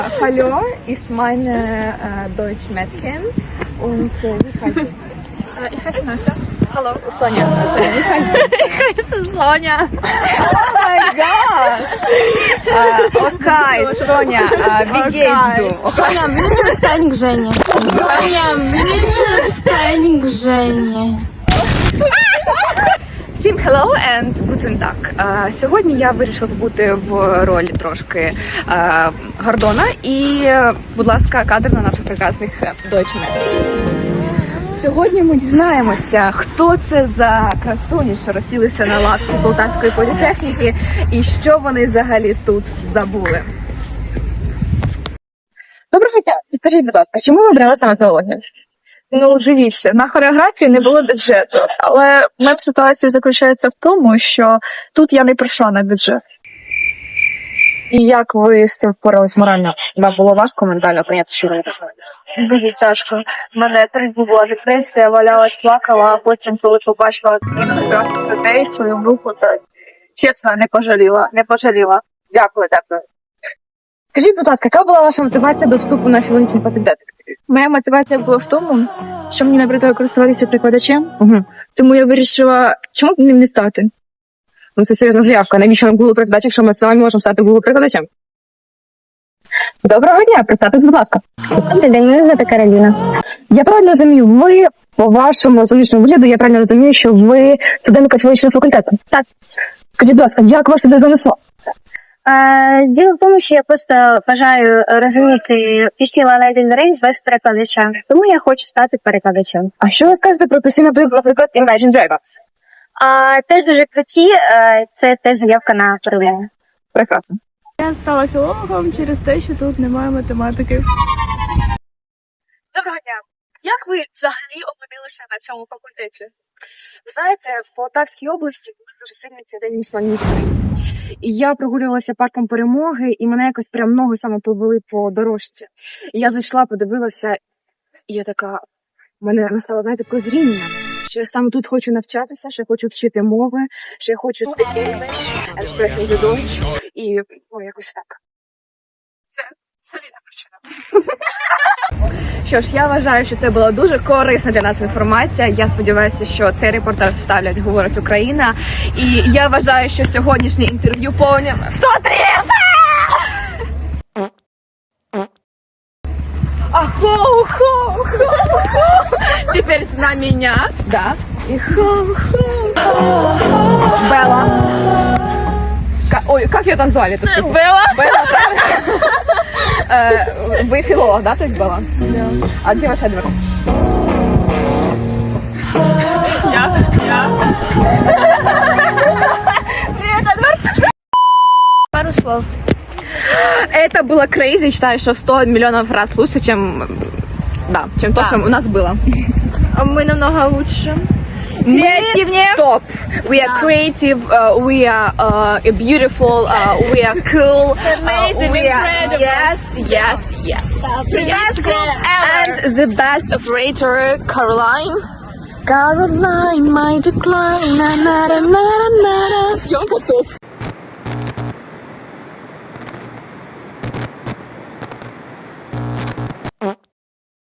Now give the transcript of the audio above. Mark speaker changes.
Speaker 1: Hallo, ist meine Deutsch-Mädchen und wie heißt sie? Ich heiße Настя. Hallo. Sonja. Wie heißt du? Ich heiße Sonja. Oh mein Gott. Okay, Sonja, wie geht's du?
Speaker 2: Соня, ближе стань к Жене. Соня, ближе стань к Жене.
Speaker 1: Всім hello and guten Tag. Сьогодні я вирішила побути в ролі трошки Гордона і, будь ласка, кадр на наших прекрасних дочмет. Сьогодні ми дізнаємося, хто це за красуні, що розсілися на лавці Полтавської політехніки і що вони взагалі тут забули. Доброго дня! Підкажіть, будь ласка, чому ви обрали саме теологію?
Speaker 3: Ну, дивіться, на хореографії не було бюджету, але мем ситуації заключається в тому, що тут я не прийшла на бюджет.
Speaker 1: І як ви з цим впорались морально? Вам було важко ментально прийняти, що ви так?
Speaker 3: Дуже тяжко. У мене 3 дні була депресія, валялась, плакала, а потім, коли побачила прекрасних людей, свою групу, то чесно, не пожаліла. Дякую.
Speaker 1: Скажіть, будь ласка, яка була ваша мотивація до вступу на філологічний факультет?
Speaker 3: Моя мотивація була в тому, що мені набридло користуватися прикладачем,
Speaker 1: Угу.
Speaker 3: тому я вирішила, чому б ним не стати.
Speaker 1: Ну, це серйозна заявка. Навіщо нам Google перекладач, якщо ми самі можемо стати Google перекладачем? Доброго дня, представтесь, будь ласка.
Speaker 2: Добрий день, мене звати Кароліна.
Speaker 1: Я правильно розумію, ви по вашому зовнішньому вигляду, я правильно розумію, що ви студентка філологічного факультету?
Speaker 2: Так.
Speaker 1: Скажіть, будь ласка, як вас сюди занесло?
Speaker 2: Діло в тому, що я просто бажаю розуміти пісні Лана Дель Рей без перекладача. Тому я хочу стати перекладачем.
Speaker 1: А що ви скажете про пісні, наприклад, Imagine Dragons?
Speaker 2: Теж дуже круті, це теж заявка на перевірення.
Speaker 1: Прекрасно.
Speaker 3: Я стала філологом через те, що тут немає математики. Доброго дня. Як ви взагалі опинилися на цьому факультеті?
Speaker 1: Ви знаєте, в Полтавській області дуже сильний цей день місцевої культури. І я прогулювалася парком Перемоги, і мене якось прям ноги саме повели по дорожці. І я зайшла, подивилася, і я така, в мене настало, знаєте, прозріння, що я саме тут хочу навчатися, що я хочу вчити мови, що я хочу speak English, expressing the Deutsch, і якось так.
Speaker 3: Це солідна причина.
Speaker 1: Що ж, я вважаю, що це була дуже корисна для нас інформація. Я сподіваюся, що цей репортаж ставлять «Говорить Україна». І я вважаю, що сьогоднішнє інтерв'ю повне 103! Ахо-хо-хо-хо! Теперь на меня, да. И хо-хо-хо. Белла. Ой, как ее там звали?
Speaker 3: Белла?
Speaker 1: Белла, правильно? Вы филолог, да, то есть Белла? Да. А где ваш Эдвард?
Speaker 3: Я.
Speaker 1: Привет, Эдвард!
Speaker 2: Пару слов.
Speaker 1: Это было crazy, считаю, что в 100 миллионов раз лучше, чем то, что у нас было.
Speaker 3: Ми намного лучше.
Speaker 1: Креативнее. Топ. We are creative, we are beautiful, we are cool.
Speaker 3: Amazing,
Speaker 1: we are,
Speaker 3: incredible.
Speaker 1: Yes.
Speaker 3: Best group ever.
Speaker 1: And the best operator, Caroline. Caroline, my decline. Съемка топ.